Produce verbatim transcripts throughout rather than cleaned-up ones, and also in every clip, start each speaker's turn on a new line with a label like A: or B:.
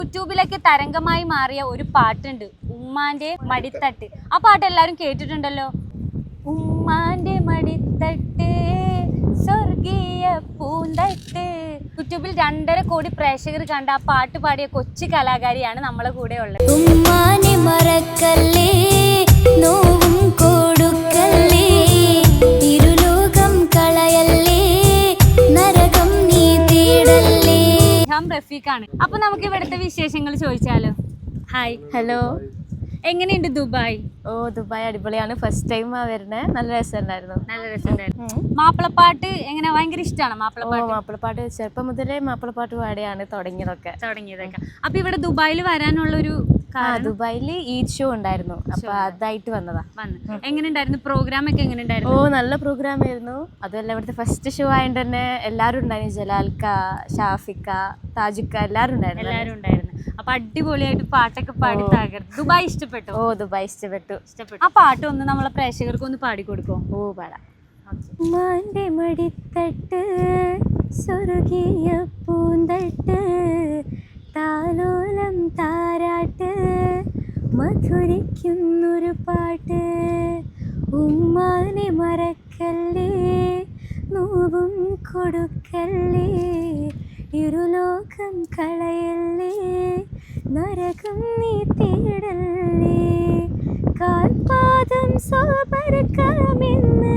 A: യൂട്യൂബിലൊക്കെ തരംഗമായി മാറിയ ഒരു പാട്ടുണ്ട്, ഉമ്മാന്റെ മടിത്തട്ട്. ആ പാട്ട് എല്ലാരും കേട്ടിട്ടുണ്ടല്ലോ. ഉമ്മാന്റെ മടിത്തട്ട് സ്വർഗീയ പൂന്തട്ട്. യൂട്യൂബിൽ രണ്ടര കോടി പ്രേക്ഷകർ കണ്ട ആ പാട്ട് പാടിയ കൊച്ചു കലാകാരിയാണ് നമ്മളെ കൂടെ ഉള്ളത്.
B: ഉമ്മാനെ മറക്കല്ലേ, നോവും കൊടുക്കല്ലേ, ഇരുലോകം കളയല്ലേ, നരകം നീ തേടല്ലേ.
A: റഫീഖാണ്. അപ്പൊ നമുക്ക് ഇവിടുത്തെ വിശേഷങ്ങൾ ചോദിച്ചാലോ? ഹായ്.
C: ഹലോ.
A: എങ്ങനെയുണ്ട് ദുബായ്?
C: ഓ, ദുബായ് അടിപൊളിയാണ്. ഫസ്റ്റ് ടൈം വരുന്നത്. നല്ല രസമുണ്ടായിരുന്നു.
A: നല്ല രസമുണ്ടായിരുന്നു. മാപ്പിളപ്പാട്ട് എങ്ങനെ, ഭയങ്കര ഇഷ്ടമാണ് മാപ്പിളപ്പാട്ട്?
C: മാപ്പിളപ്പാട്ട് ചെറുപ്പം മുതലേ മാപ്പിളപ്പാട്ട് പാടിയാണ് തുടങ്ങിയതൊക്കെ
A: തുടങ്ങിയതൊക്കെ അപ്പൊ ഇവിടെ ദുബായിൽ വരാനുള്ള ഒരു
C: ദുബായില് ഈദ് ഷോ ഉണ്ടായിരുന്നു, അപ്പൊ അതായിട്ട് വന്നതാ.
A: എങ്ങനെ ഉണ്ടായിരുന്നു പ്രോഗ്രാം ഒക്കെ? എങ്ങനെ ഉണ്ടായിരുന്നു?
C: ഓ, നല്ല പ്രോഗ്രാം ആയിരുന്നു. അതുമല്ല ഇവിടുത്തെ ഫസ്റ്റ് ഷോ ആയതുകൊണ്ട് തന്നെ എല്ലാവരും ഉണ്ടായിരുന്നു. ജലാൽക്ക, ഷാഫിക്ക, താജുക്ക എല്ലാവരും ഉണ്ടായിരുന്നു.
A: എല്ലാവരും ഉണ്ടായിരുന്നു. അപ്പൊ അടിപൊളിയായിട്ട് പാട്ടൊക്കെ പാടി തകർത്തു. ദുബായ് ഇഷ്ടപ്പെട്ടു?
C: ഓ, ദുബായ് ഇഷ്ടപ്പെട്ടു.
A: ഇഷ്ടപ്പെട്ടു. ആ പാട്ട് ഒന്ന് നമ്മളെ പ്രേക്ഷകർക്ക് ഒന്ന് പാടിക്കൊടുക്കോ?
C: ഓ, പാടാം.
B: ഉമ്മാന്റെ മടിത്തട്ട് സ്വർഗീയ പൂന്തട്ട്, താലോലം താരാട്ട് മധുരിക്കുന്നൊരു പാട്ട്. ഉമ്മാനെ മറക്കല്ലേ, നോവും കൊടുക്കല്ലേ, ഇരുലോകം കളയല്ലേ, നരകം നീ തേടല്ലേ, കാൽപാദം സോപരക്കാമെന്ന്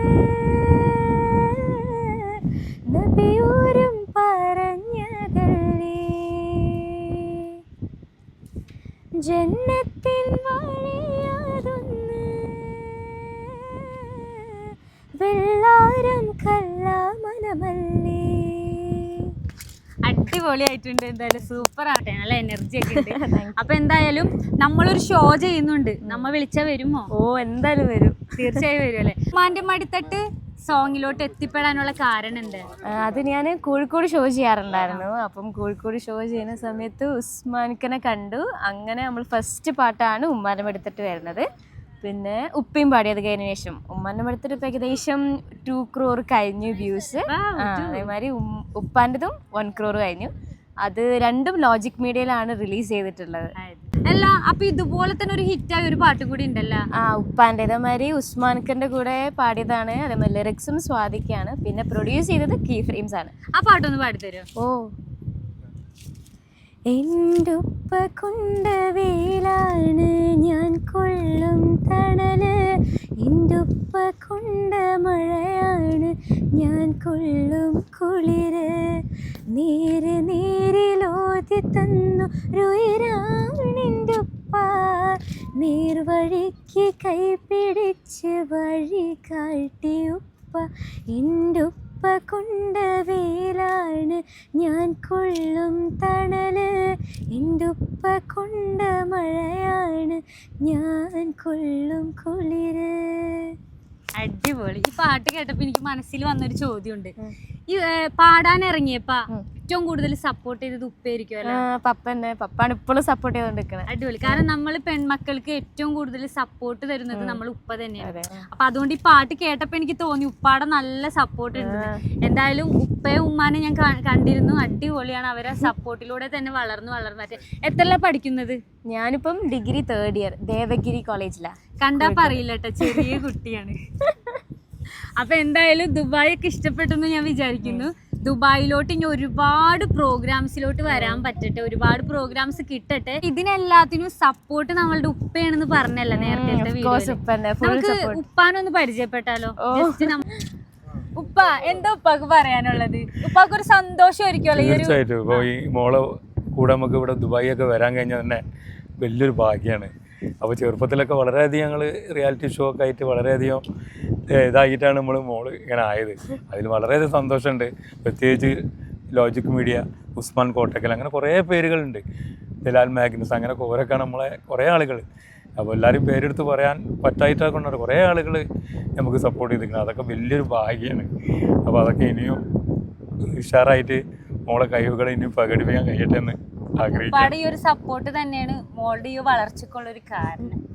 B: നബിയോരും പറഞ്ഞതല്ലേ, ജന്നത്തിൻ വഴിയാതൊന്ന് വെള്ളാരം കല്ലാമനമല്ലേ.
A: അടിപൊളിയായിട്ടുണ്ട്. എന്തായാലും സൂപ്പർ ആട്ടെ, നല്ല എനർജി ഒക്കെ ഉണ്ട്. അപ്പൊ എന്തായാലും നമ്മളൊരു ഷോ ചെയ്യുന്നുണ്ട്, നമ്മ വിളിച്ചാ വരുമോ?
C: ഓ, എന്തായാലും വരും.
A: തീർച്ചയായും വരും അല്ലേ? ഉമ്മാന്റെ മടിത്തട്ട് സോങ്ങിലോട്ട് എത്തിപ്പെടാനുള്ള കാരണം ഉണ്ട്?
C: അത് ഞാൻ കോഴിക്കോട് ഷോ ചെയ്യാറുണ്ടായിരുന്നു. അപ്പം കോഴിക്കോട് ഷോ ചെയ്യുന്ന സമയത്ത് ഉസ്മാനിക്കനെ കണ്ടു. അങ്ങനെ നമ്മൾ ഫസ്റ്റ് പാട്ടാണ് ഉമ്മാന്റെ മടിത്തട്ട് വരുന്നത്. പിന്നെ ഉപ്പയും പാടിയത് കഴിഞ്ഞ ശേഷം ഉമ്മാന്റെ മടിത്തട്ട് ഇപ്പം ഏകദേശം ടു ക്രോർ കഴിഞ്ഞു വ്യൂസ്. അതേമാതിരി ഉപ്പാൻ്റെതും വൺ ക്രോർ കഴിഞ്ഞു. അത് രണ്ടും ലോജിക് മീഡിയയിലാണ് റിലീസ് ചെയ്തിട്ടുള്ളത്.
A: അല്ല, അപ്പൊ ഇതുപോലെ തന്നെ ഒരു ഹിറ്റായ ഒരു പാട്ടും കൂടി ഉണ്ടല്ലോ.
C: ആ, ഉപ്പാൻ്റെ അതേമാതിരി ഉസ്മാൻഖന്റെ കൂടെ പാടിയതാണ്. അതേമാതിരി ലിറിക്സും സ്വാദിക്കാണ്. പിന്നെ പ്രൊഡ്യൂസ് ചെയ്തത് കീ ഫ്രെയിംസ് ആണ്.
A: ആ പാട്ടൊന്ന് പാടിത്തരുമോ?
C: ഓ,
B: എന്റുപ്പ കൊണ്ട വേലാണ് ഞാൻ കൊള്ളും തണല്, എന്റുപ്പ കൊണ്ട മഴയാണ് ഞാൻ കൊള്ളും കുളിര്, നേര് നേരിലോതി തന്നു രുയരാണെന്റുപ്പ, നേർവഴിക്ക് കൈപിടിച്ച് വഴി കാട്ടി ഉപ്പ, എന്റുപ്പ കൊണ്ട വേലാണ് ഞാൻ കൊള്ളും തണല്, എന്റുപ്പ കൊണ്ട മഴയാണ് ഞാൻ കൊള്ളും കുളിര്.
A: അടിപൊളി. ഈ പാട്ട് കേട്ടപ്പോ എനിക്ക് മനസ്സിൽ വന്നൊരു ചോദ്യമുണ്ട്. ഈ പാടാൻ ഇറങ്ങിയപ്പ ഏറ്റവും കൂടുതൽ സപ്പോർട്ട് ചെയ്തത് ഉപ്പയായിരിക്കും അല്ലേ?
C: പപ്പന്നെ. പപ്പാണ് ഇപ്പോഴും സപ്പോർട്ട് ചെയ്തോണ്ടിരിക്കുന്നത്.
A: അടിപൊളി. കാരണം നമ്മൾ പെൺമക്കൾക്ക് ഏറ്റവും കൂടുതൽ സപ്പോർട്ട് തരുന്നത് നമ്മൾ ഉപ്പ തന്നെയാണ്. അപ്പൊ അതുകൊണ്ട് ഈ പാട്ട് കേട്ടപ്പോ എനിക്ക് തോന്നി ഉപ്പാടെ നല്ല സപ്പോർട്ട് ഉണ്ട്. എന്തായാലും ഉപ്പയും ഉമ്മാനെ ഞാൻ കണ്ടിരുന്നു. അടിപൊളിയാണ്. അവരെ സപ്പോർട്ടിലൂടെ തന്നെ വളർന്നു വളർന്നു. എത്രല്ല പഠിക്കുന്നത്?
C: ഞാനിപ്പം ഡിഗ്രി തേർഡ് ഇയർ ദേവഗിരി കോളേജിലാ.
A: കണ്ടാ പറയില്ല കേട്ടോ, ചെറിയ കുട്ടിയാണ്. അപ്പൊ എന്തായാലും ദുബായ് ഒക്കെ ഇഷ്ടപ്പെട്ടെന്ന് ഞാൻ വിചാരിക്കുന്നു. ദുബായിലോട്ട് ഇനി ഒരുപാട് പ്രോഗ്രാംസിലോട്ട് വരാൻ പറ്റട്ടെ, ഒരുപാട് പ്രോഗ്രാംസ് കിട്ടട്ടെ. ഇതിനെല്ലാത്തിനും സപ്പോർട്ട് നമ്മളുടെ ഉപ്പയാണെന്ന് പറഞ്ഞല്ലോ നേരത്തെ വീഡിയോയിൽ. നമുക്ക് ഉപ്പാനൊന്ന് പരിചയപ്പെട്ടാലോ? ഉപ്പ, എന്താ ഉപ്പാക്ക് പറയാനുള്ളത്? ഉപ്പാക്ക് ഒരു സന്തോഷമായിരിക്കുമല്ലോ
D: തീർച്ചയായിട്ടും. ഈ മോളെ കൂടെ നമുക്ക് ഇവിടെ ദുബായി ഒക്കെ വരാൻ കഴിഞ്ഞാൽ തന്നെ വലിയൊരു ഭാഗ്യമാണ്. അപ്പോൾ ചെറുപ്പത്തിലൊക്കെ വളരെയധികം ഞങ്ങൾ റിയാലിറ്റി ഷോ ഒക്കെ ആയിട്ട് വളരെയധികം ഇതായിട്ടാണ് നമ്മൾ മോള് ഇങ്ങനെ ആയത്. അതിൽ വളരെയധികം സന്തോഷമുണ്ട്. പ്രത്യേകിച്ച് ലോജിക് മീഡിയ, ഉസ്മാൻ കോട്ടക്കൽ, അങ്ങനെ കുറേ പേരുകളുണ്ട്, ജലാൽ മാഗ്നസ്, അങ്ങനെ കുറേയൊക്കെ നമ്മളെ കുറേ ആളുകൾ. അപ്പോൾ എല്ലാവരും പേരെടുത്ത് പറയാൻ പറ്റായിട്ടൊക്കെ കൊണ്ടാണ് കുറേ ആളുകൾ നമുക്ക് സപ്പോർട്ട് ചെയ്തിരിക്കുന്നത്. അതൊക്കെ വലിയൊരു ഭാഗ്യമാണ്. അപ്പോൾ അതൊക്കെ ഇനിയും ഉഷാറായിട്ട് മോളെ കഴിവുകൾ ഇനിയും പ്രകടിപ്പിക്കാൻ കഴിയട്ടെ എന്ന് ആഗ്രഹിക്കുന്നു.
A: ഈ ഒരു സപ്പോർട്ട് തന്നെയാണ് മോളുടെ ഈ വളർച്ചക്കുള്ള ഒരു കാരണം.